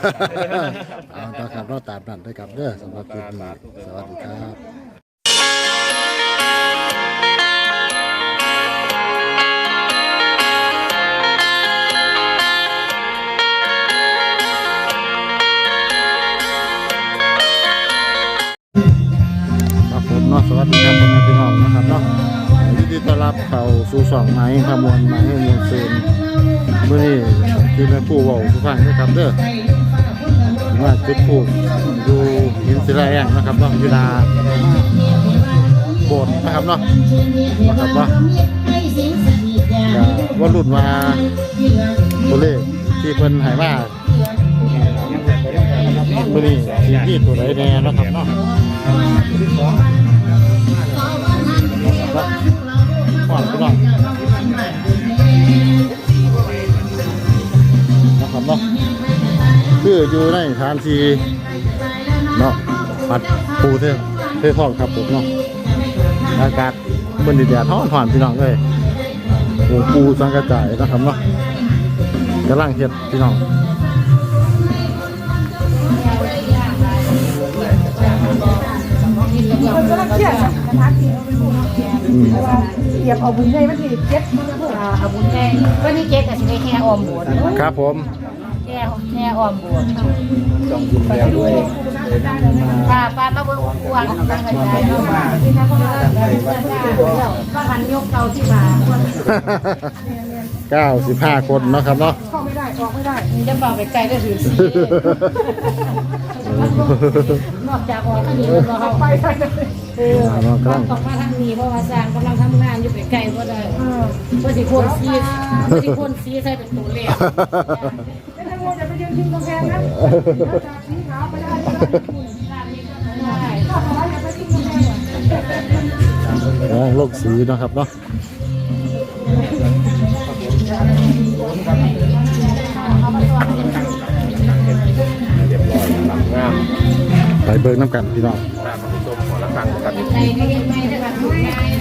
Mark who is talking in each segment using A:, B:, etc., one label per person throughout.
A: เอาต่อครับเราตามนั่นด้วยครับเด้อสำหรับคลิปนี้สวัสดีครับผมเนาะสวัสดีครับพ่อแม่พี่น้องนะครับเนาะยินดีต้อนรับเข้าสู่ช่องไม้ขมวลไม้ให้มวลซืนเมื่อนี้คือแม่ปู่บอกสุพรรณนะครับเด้อว่าจุดผูกอยู่หินศิลาแองนะครับเนาะเวลาโบสถ์นะครับเนาะนะครับว่ารุ่นว่าตัวเลขที่เพิ่นหายมาเมื่อนี้สีนี่ตัวไหนแน่นะครับเนาะก่อนไปหน่อยนะครับเนาะคืออยู่ในฐานที่เนาะปัดปูเท่ท้องครับผมเนาะอากาศบนดินแดดท้องผ่านพี่น้องเลยปูสังกระจายนะครับเนาะกำลังเฮ็ดพี่น้อง
B: คนกำลังเครียดกระทะกินเก็บเอาบุญใหญ่วันที่7
C: เอาบุญแค่วันที่7ก็สิได้แค่ออมโบสถ์
A: ครับผม
C: แค่ออมโบสถ์
D: ต้องกินแล้วด้วย
C: ป้ามาเบิ่งกวางตั้งใจเนาะว่าหันยกเก่าที่มา
A: 95 คนเนาะครับเนาะ
B: เข้าไม่ได้ออกไม่ได้
C: จะบอกไปไกลก็ถือสินอกจากออกทางนี้เราเข้าไปต้องมาทางนี้เพราะว่าสร้างกำลังทำงานอยู่ไกลๆบ่ได้บ่สิคนซีใส่เป็นตัวเลข
B: ไม่ต้องกลัวจะไปยืนทิ้งกำแพงนะจากสีขาวไปได้ก็ขออย่าไปทิ้งกำแพง
A: โลกสีนะครับเนาะไปเบิกน้ำกันพี่น้อง
C: ในไม่ได้แบบถูกง่าย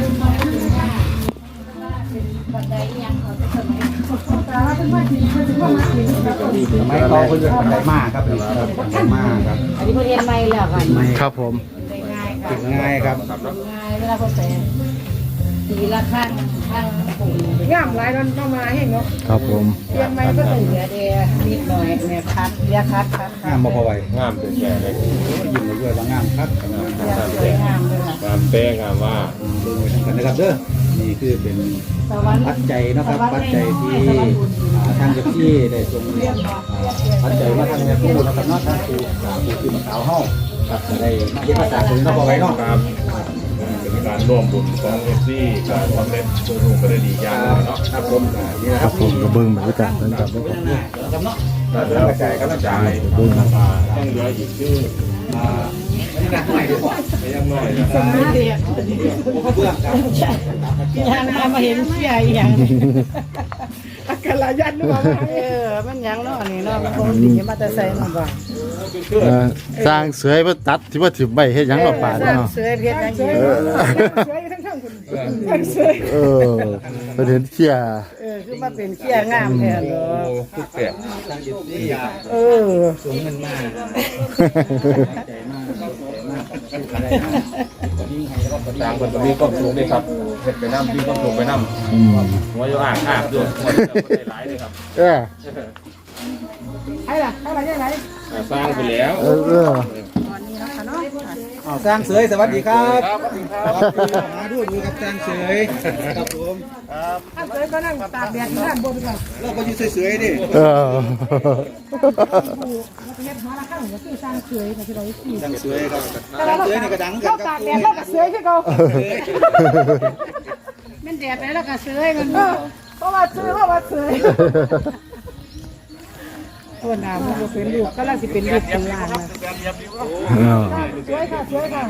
C: บันไดยังเขาจะสมัย
B: แต่ว่าเป็นไม่ถึงเป็นว่ามาถึง
D: ทำไมเขาเรียกบันไดมากครับบันไดมากครับ
C: อันนี้เขาเรียนไม่แล้วกัน
A: ครับผม
C: ง่ายค่ะ
D: ง่ายครับ
C: ง่ายเวลาเขาใส่ตีละข้างปุ่ม
B: ย่ามหลายวันต้องมาให้เนาะ
A: ครับผม
C: เรียนไม่ก็เหลือเดียนิดหน่อยเนี่ยคัดเรียคัด
D: งามมาพอไหว
E: งามเป็นแก่เลย
D: ยิ้มด้วยว่างามครับ
C: สวยงามเลยค่ะ
E: งามแป้งงามว่า
D: ดูไว้ทั้งกันนะครับเด้อนี่คือเป็นปัจจัยนะครับปัจจัยที่ทางเจ้าที่ได้ทรงปัจจัยมาทางแม่ครูนะครับเนาะทางครูที่มาขาวห้องครับจะได้เรียนภาษาถึงเราพอไหวเนาะ
E: ครับเป็นการร่วมบุญของเอฟซีการสำเร็จตัวลูกก็ได้ดีอย่างเนาะ
D: ครับผมนี่นะ
A: ค
D: ค
A: รั
D: รั
A: บบ ผมกระเบื้องบรรยากาศเหมือนกันนะครับ
D: ครับเนาะ
E: แล้วกระจายต้องเหลืออีกชื่อ
D: นี่นะหน่อยดีกว่า
E: ไม่ยังน้อยนะค
C: ส
E: รับ
C: มัยเด็ก
D: เพื่อนครับ
C: ยังมาเห็นเสียอย่าง
B: อาการลายันหรือเปล่า
C: มันยังเนาะนี่เนาะมันคงดีมาแต่ใส่มันบ่
A: สร้างเสือมาตัดที่ว่าถือใบเฮ็ดหยังหรอป่าเนาะ
C: เสื้อเพชรยัง
B: เฉ
C: อยู่
B: ยทั้งคุณเฉย
A: ประเด็นเที่ย
C: คือมาเป็นเขี้ยงามแท้เนาะ
E: ทุกแก่
D: ทางยุติยา สูงเงินมากใจมากอะไรนะยิ่งให้แล้วก็
E: ต่างคนก็มีความสูงด้วยครับเห็ดไปน้ำมีความสูงไปน้ำหัวอยู่อ่างด้วยหัวได้หลายเลยครับ
B: ให้ล่ะยังไง
E: สร้างไปแล้ว
D: สร้างเสยสวัสดีครับมาดูกับสร้างเสยครับผม
B: ถ้าเฉยก็นั่งตากแดดข้างบนกัน
D: เราก็อยู่เสยๆดิ
B: แล้วก็เฮ็ดหาละข้างก็คือสร้างเฉยนะที่เราขี่
D: สร้างเสยครับสร้างเสยนี่ก็ดังกั
B: เรา
D: นค
B: ตา
D: รับ
B: กแดดเราก็เฉยคือเขา
C: มันแดดไปแล้วก็เสื้อมัน
B: เพราะว่าเฉยตัวน้ำมันเป็นลูกก็ลังสิเป็นลูกเป็นล้านนะสวยค่ะ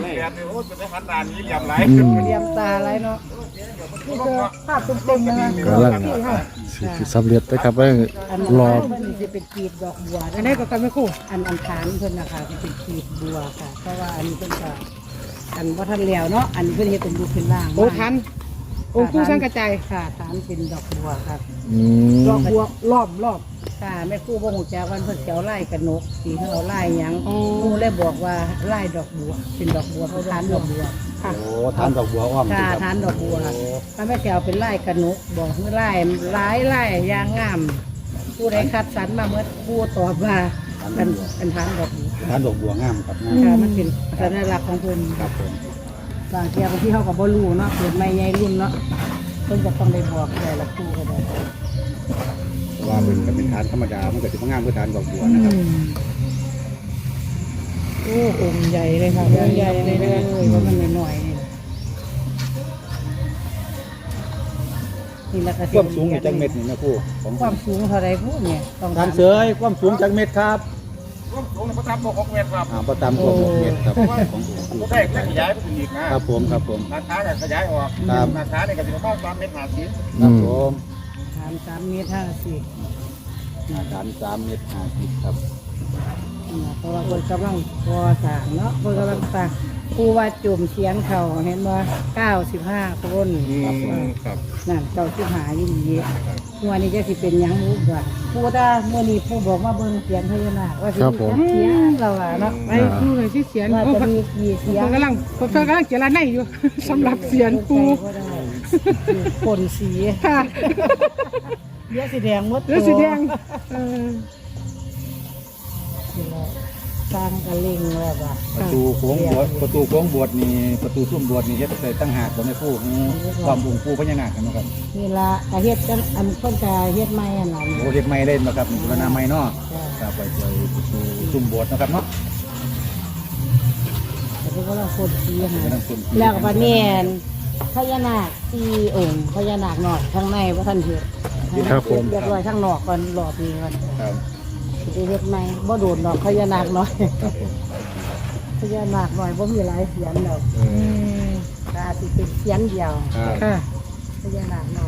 B: เรียมตาอะไรเนาะนี่คือภาพตรงๆนะ
A: กำลังสิสำเร็จนะครับว่ารอ
C: มันจะเป็นกีบดอกบัว
B: อันนี้ก็กันไม่คู่
C: อันฐานเพิ่นนะคะเป็นกีบบัวค่ะเพราะว่าอันนี้เพิ่นก็อันว่าทันแล้วเนาะอันนี้เพิ่นเฮ็ดเป็นรูปเป็นร่าง
B: โอ้ทันโอ้คู่สร้างกระจาย
C: ค่ะฐานเป็นดอกบัวค่ะ
B: ดอกบัวรอบ
C: ค
B: ค่ะแม่ครูบ่ฮู้จักวันเพิ่นสิเอาไล่กระนกสิเฮาเอาไล่หยังครูเลยบอกว่าไล่ดอกบัวเป็นดอกบัวเพราะทานดอกบัวค่ะ
D: โอ้ทานดอกบัวอ้อม
B: ค่ะ
D: ครับ
B: ทานดอกบัวถ้าแม่สิเอาเป็นไล่กระนกบอกคือไล่หลายไล่อย่างงามผู้ใดคัดสรรมาเมื่อครูตอบว่าเป็นทานดอกบัว
D: ทานดอกบัวงามครับงาม
B: ค่ะมันเป็นสัญลักษณ์ของเพิ่น
D: ครับผม
B: บางเที่ยบางที่เฮาก็บ่รู้เนาะเกิดใหม่ใหญ่รุ่นเนาะเพิ่นจะต้องได้บอกแต่ละครูก็ได้
D: เพราะว่าเป็นก็เป็นทานธรรมดามันก็สิบ่งามคือทานดอกบัวนะครับ
B: โอ้องค์ใหญ่เลยค่ะองค์ใหญ่เลยว่ามันหน่อยๆนี่แหละก็
D: ความสูงนี่จักเม็ดนี่นะครูของ
B: ความสูงเท่าไรพูดเนี่ยต้อง
D: ทานเสยความสูงจักเม็ดครับ
E: ร่วมสูงประทับ6 เมตรครับ
D: ประตามกว่า6เม็ดครับของครู
E: ก็ได้ขยายไปอีกนะครับ
D: ผมครับผม
E: ราคาก็ขยายออก
D: ครับ
E: ราคาเนี่ยก็จะประมาณ3 เมตร 50
D: ครับผม
B: ถาม3 เมตร
D: ทาน3เม็ด50ครับ
B: เพราะว่าคนกำลังพอสร้างเนาะคนกำลังสร้างผู้ว่าจุ่มเสียงเขาเห็นว่า95 คน
E: ครับ
B: นั่น95ยิ่งเยอะหัวนี้จะสิเป็นหยังรู้บ่ผู้ถ้าเมื่อนี้ผู้บอกว่าเบิ่งเสียงพญานาคว่าสิเสียงเราอะเนาะ
F: ไปครูเลยที่เสียน
B: ว่า
F: โอ้
B: จะ
F: เพิ่น
B: มีกี่เสียง
F: กำลังเจรไนอยู่ สำหรับเสียนครู
B: ก็ได้คนสี
F: ค่ะ
B: เยอะสีแดงหมด
F: หรือสีแดงเออ
B: สร้างกระเล่งแล้วว่า
D: ประตูโค้งบวชประตูโค้งบวชนี่ประตูซุ่มบวชนี่เฮ็ดใส่ตั้งหากบ่แม่ครูความองค์ปู่พญานาคกันเนาะครับ
B: นี่ละกระเฮ็ดกันอันต้นกระเฮ็ดไม้อันนั้น
D: โอ้เฮ็ดใหม่เล่นบ่ครับบูรณะใหม่เนาะครับไปช่วยประตูซุ่มบวชเนาะครับเนาะ
B: แต่ก็เราคนสีหา
D: กำลังซุ่ม
B: แล้วก็บัดนี้พญานาค4 องค์พญานาคหน่อยข้างในว่าท่านเฮ็ดเรียบร้อยข้างนอกก่อนรอบนี้ก่อน
D: ครับ
B: สิเฮ็ดใหม่บ่โดนดอกพญานาคน้อย
D: ครับผม
B: พญานาคน้อยบ่มีหลายเสียงดอกตาสิเป็นเสียงเดียว
D: ครับ
F: ค่ะ
B: พญานาคน้อย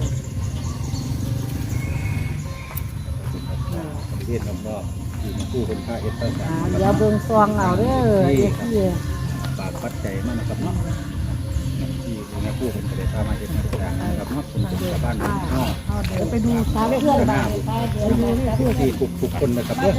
D: ประเทศรอบๆที่มาคู่คนค่าเฮ็ดตั้งแต่
B: เดี๋ยวเบิ่งซองเอาเด้อเด็กที่
D: ฝากปัจจัยมานะครับเนาะที่แม่คู่คนก็ได้พามาเฮ็ดมาต่างๆนะครับเนาะคนเป็นชาวบ้านเนาะ
B: เดี๋ยวไปดูตามเพื่อนบ้านไปเดี๋ยวดูแล
D: ผู้ที่ทุกคนนะครับเด้อ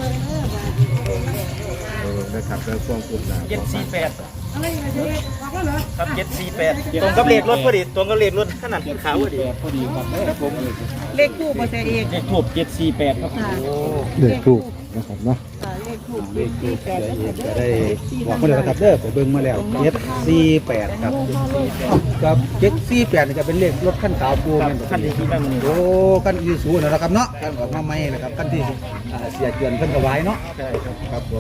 A: นะครับแล้วช่วงกลุ่มหนา
G: 748ครับ748ตรงกับเลขรถพอดีตรงกับเลขรถขนาดขาวพอดี
D: พอดีครับผม
B: เลขคู่บ่ใช่เอง
G: เลขถูก748ครับ
A: เด็กถูกนะครับเนาะ
B: เลขคู่
D: เลขที่เสียเอกจะได้บอกมาแล้วนะครับเด้อผมเบิ่งมาแล้ว748ครับกับ748นี่ก็เป็นเลขรถคันขาวปูแม่นบ่
G: คันที่ขี่มามื้อนี้
D: โอ้กันอีสูนะครับเนาะกันออกมาใหม่นะครับกันที่เสียเกินเพิ่นก็ไว้เนาะ
G: ใช่ครับ
D: ครับผม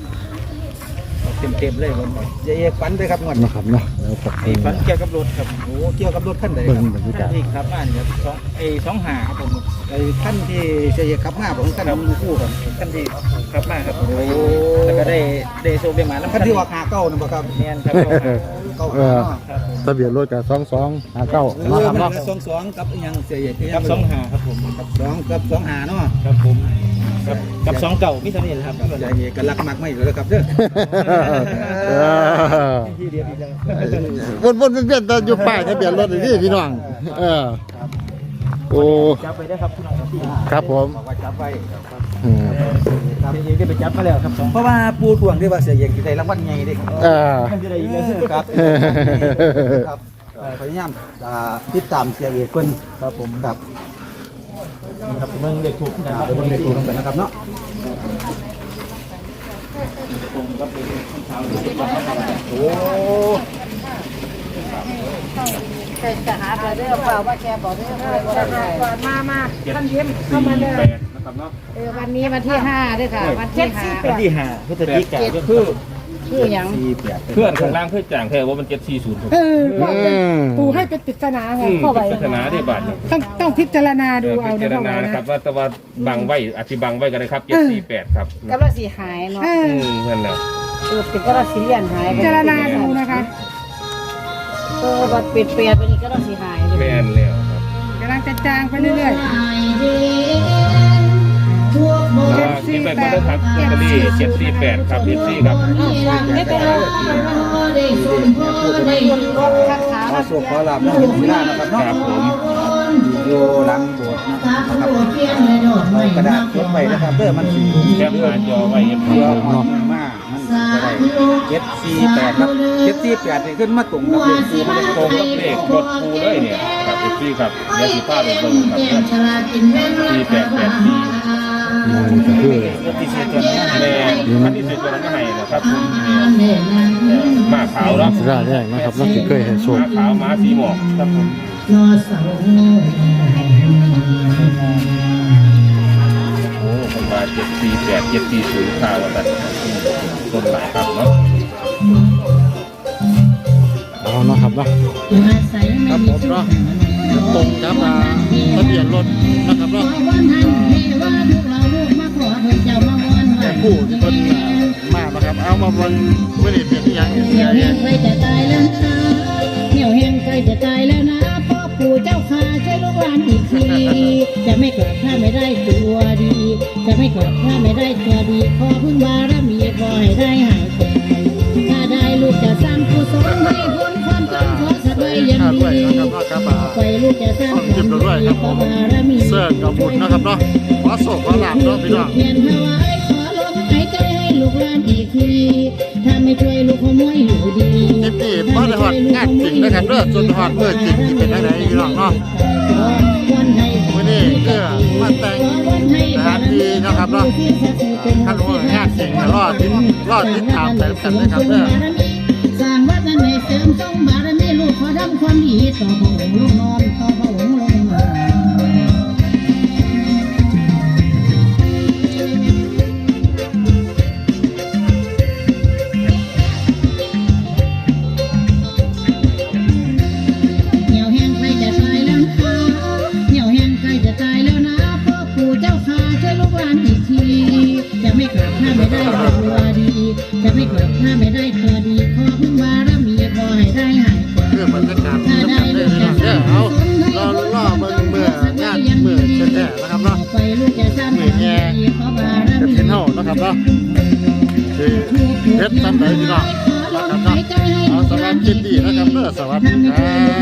G: เต็มเลยมัน
D: เจะเอกฝันไปครับงวด
A: นะครับเนาะแล้วก็
G: ไอ้ฟันเกี่ยวกับรถครับ
D: โอ้เกี่ยวกับรถคันใด
A: เบิ่
D: ค
A: ง
D: รับบ
A: รรยากาศ
G: ที่ครับบ้านครับ2ครับผม
D: ไอ้คันที่เจะเอกขับมาผมคันมันคู่กัน
G: คันที่ครับมาครับแล้วก็ได้โซเบียมาแล้ว
D: คันที่ว่าขาเก้านั่นบ่ครับ
G: แม่นครับ
D: เก้า
A: เออ
G: ครับผม
A: ทะเบียนรถกับ2259นะครับ
D: มัน
A: เนาะ
D: 22กับอีหยังเสียเอก
G: กับ2ครับผม
D: กับ2กับ25เนาะ
G: ครับผมกับ2เก่ามีเท่านี้แหละครับ
D: เสียเอกก็รักมากไม่แล้วครับเด้อ
G: ที่เดียวอีกแล้ว
A: วนๆเวียนๆแต่อยู่ป้ายทะเบียนรถนี่พี่น้องโอ้
G: จับไปได้ครับคุณน้องที่
A: ครับผม
D: บอกว่าจับไว้
A: อืม
G: ครับเองได้ไปจับมาแล้วครับ2
D: เพราะว่าปูทวงที่ว่าเสียเอกสิได้รางวัลใหญ่เด้ครับ
G: มันจะได้อีกแล้ว
D: ครับครับพยายามติดตามเสียเอกเพิ่นครับผมครับ
G: ครับเมืองเด็กถูกนะครับ
D: เดี๋ยวเบิ่งเลขตัวกันนะครับเนาะ โอ้
B: จะหาไปเด้อเปล่าว่าแกบอกเด้อจะหาก่อนมาท่านเยี่ยมเข้ามาเลย
E: นะครับเนาะ
B: วันนี้วันที่5ด้วยค่ะวันที่5
G: วันที่5พฤศจิกายน
B: คือหยัง
E: เพื่อนข้างล่างเพื่อนจ่างแท้ว่ามัน740ครับ
F: เออปูให้เป็นปริศนาไงเข้าไป
E: ศาสนาได้บาทเนี่ย
F: ต้องพิจารณาดูเอา
E: พิ
F: นะ
E: จาร
F: พ่อ
E: ณา
F: ไว้
E: นะครับ
F: นะ
E: ว่าแต่ว่าบังไว้อธิบังไว้กันนะครับ748ครับ
B: กำลังสีหายเนาะ
F: เออ
E: นั่นแหละ
B: เป็นกำลังสีเลียนหาย
F: พิจารณาดูนะคะ
B: บัดเปลี่ยนไปนี่ก็ต้องสีหาย
E: แม่นแล้วครับ
F: กำลังจะจางไปเรื่อย
E: คิดไปก็ได้ครับลอตเตอรี่748ครับ74ครับ
B: ไม่เป็นไรรถคันขา
D: ขอโชคขอลาบน้องเห็นสีหน้านะครับเนาะ
E: ครับผม
D: อยู่หลังโบสถ์นะครับกระดาษเก็บไว้นะครับเด้อมันสี
E: แคปหน้าจอไว้เห็น
D: เพื่อหอดมากมันก็ได้748ครับ748นี่ขึ้นมาตรงกับเลขปูมัน
E: ตรงกับเลขรถปูเลยเนี่ยครับเอฟซีครับเดี๋ยวสิพาไปเบิ่งครับ4884
A: ก็คือ
G: รถที่ซื้อตัวนี้
E: แม่คันที่สุดตัวนั้นให้นะครับหมาขาวเนาะ
A: สิได้แรกนะครับเราเคยเห็นโช
E: ห
A: ค
E: มาขาวหมาสีหมอกครับผมโอ้คนมา748 740ข่าวว่าตัดต้นหลายครับเนาะ
A: เอาเนาะครับเนาะครับผมเนาะตรงครับทะเบียนรถนะครับเนาะแต่ผู้ที่เพิ่นมานะครับเอามาวันไม่ได้เป็นที่ยัง
C: เหนียวแห้งใกล้จะตายแล้วนะเหนียวแห้งใกล้จะตายแล้วนะพ่อปู่เจ้าข้าช่วยลูกหลานอีกทีจะไม่กลับถ้าไม่ได้ตัวดี จะไม่กลับถ้าไม่ได้ตัวดีขอพึ่งบารมีขอให้ได้หายใจถ้าได้ลูกจะสร้างกุศลให้พ้นความจนขอสักไว้ยัง
A: ข้า
C: ดี
A: ด้วยนะครับเนาะครับ
C: ไปลูกจะสร้าง
A: ต้องจิ้มด้วยครับผมเสื้อกับบุญนะครับเนาะขอโศกขอหลับเนาะพี่น้อง
C: เพียนถวายขอลมหายใจให้ลูกหลานอีกทีถ้าไม่ช่วยลูกขโมยอยู่ดี
A: คลิปนี้พอได้ฮอดงานจริงนะครับเด้อจนฮอดเมื่อจริงที่เป็นจังไดพี่น้องเนาะมื้อนี้ก็มาแต่งสถานที่นะครับเนาะคันว่างานจริงก็รอติดตามไปกันนะครับเด้อ
C: สร้างวัดนั้นให้เสริมทรงบารมีลูกขอทำความดีต่อพระองค์ลูกนอนต่อพระองค์ลงมาเหนียวแห้งใครจะตายแล้วนะเหนียวแห้งใครจะตายแล้วนะพ่อปู่เจ้าข้าช่วยลูกหลานอีกทีจะไม่กลับถ้าไม่ได้ตัวดีจะไม่กลับถ้าไม่ได้ตัวดีขอพึ่งบารมีขอให้ได้หายไป
A: เพื่อบรรยากาศที่จะเป็นได้พี่น้องเด้อเอารอเบิ่งเมื่องานเมื่อแท้ๆนะครับเนาะ
C: ไปลูกจะสร้างบารมีขอบาร
A: จะ
C: มี
A: เห็นเฮานะครับเนาะคือเพชรทำได้พี่น้องนะครับเนาะเอาสำหรับคลิปนี้นะครับเด้อสวัสดีครับ